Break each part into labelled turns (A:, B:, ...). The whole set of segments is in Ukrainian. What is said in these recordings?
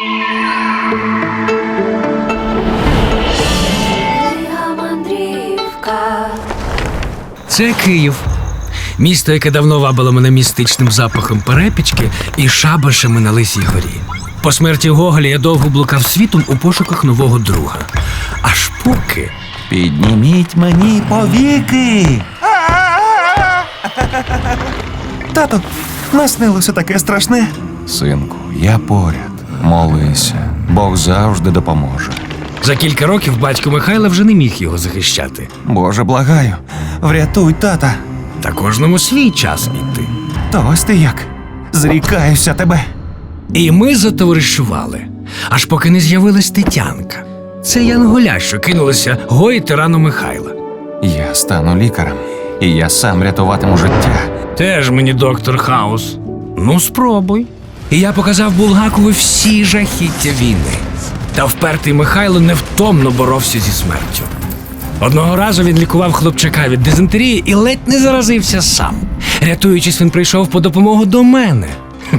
A: Це Київ. Місто, яке давно вабило мене містичним запахом перепічки і шабашами на Лисій горі. По смерті Гоголя я довго блукав світом у пошуках нового друга. Аж поки...
B: Підніміть мені повіки!
C: Тато, наснилося таке страшне.
B: Синку, я поряд. Молися, Бог завжди допоможе.
A: За кілька років батько Михайла вже не міг його захищати.
B: Боже, благаю,
C: Врятуй тата.
A: Та кожному свій час іти.
C: То ось ти як. Зрікаюся тебе.
A: І ми затоваришували, аж поки не з'явилась Тетянка. Це янголя, що кинулася гоїти рану Михайла.
B: я стану лікарем, і я сам рятуватиму життя.
A: Теж мені доктор Хаус. Ну, спробуй. І я показав Булгакові всі жахіття війни. Та впертий Михайло невтомно боровся зі смертю. Одного разу він лікував хлопчака від дизентерії і ледь не заразився сам. Рятуючись, він прийшов по допомогу до мене.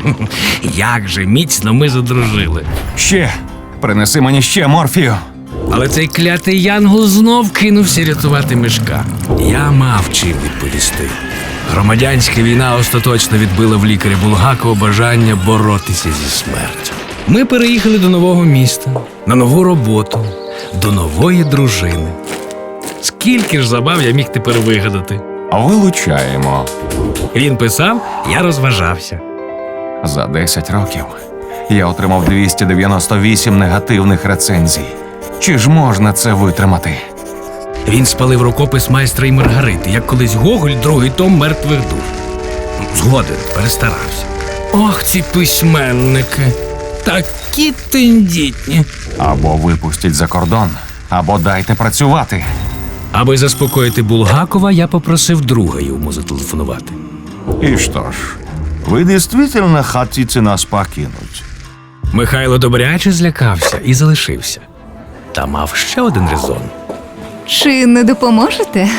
A: Як же міцно ми задружили.
B: Ще! Принеси мені ще морфію.
A: Але цей клятий янгол знов кинувся рятувати Мишка. Я мав чим відповісти. Громадянська війна остаточно відбила в лікаря Булгакова бажання боротися зі смертю. Ми переїхали до нового міста, на нову роботу, до нової дружини. Скільки ж забав я міг тепер вигадати.
B: Вилучаємо.
A: Він писав, я розважався.
B: За 10 років я отримав 298 негативних рецензій. Чи ж можна це витримати?
A: Він спалив рукопис майстра і Маргарити, як колись Гоголь, другий том «Мертвих душ». Згоден, перестарався. Ох, ці письменники, такі тендітні.
B: Або випустіть за кордон, або дайте працювати.
A: Аби заспокоїти Булгакова, я попросив друга йому зателефонувати.
D: И что ж, вы действительно хотите нас покинуть?
A: Михайло добряче злякався і залишився. Та мав ще один резон.
E: Чи не допоможете?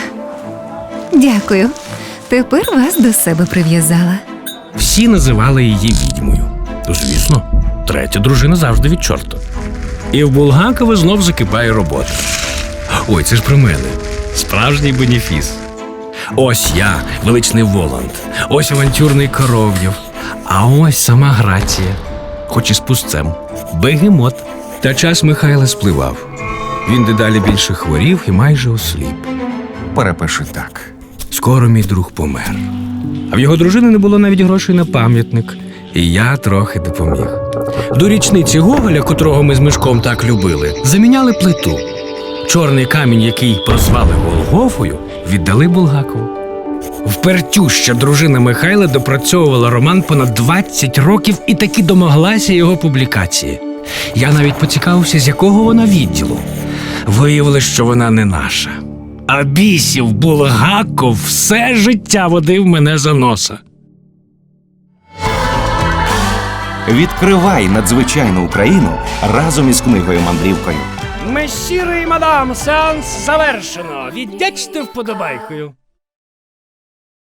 E: Дякую. Тепер вас до себе прив'язала.
A: Всі називали її відьмою. Звісно, третя дружина завжди від чорта. І в Булгакова знов закипає робота. Ой, це ж про мене. Справжній бенефіс. Ось я, величний Воланд. Ось авантюрний Коров'єв. А ось сама Грація. Хоч і з пустцем. Бегемот. Та час Михайла спливав. Він дедалі більше хворів і майже осліп.
B: Перепиши так.
A: Скоро мій друг помер. А в його дружини не було навіть грошей на пам'ятник. І я трохи допоміг. До річниці Гоголя, котрого ми з Мишком так любили, заміняли плиту. Чорний камінь, який прозвали Голгофою, віддали Булгакову. Впертюща дружина Михайла допрацьовувала роман понад 20 років і таки домоглася його публікації. Я навіть поцікавився, з якого вона відділу. Виявилось, що вона не наша. А бісів Булгаков все життя водив мене за носа.
C: Відкривай надзвичайну Україну разом із книгою-мандрівкою.
A: Месіри і мадам, сеанс завершено. Віддячте вподобайкою.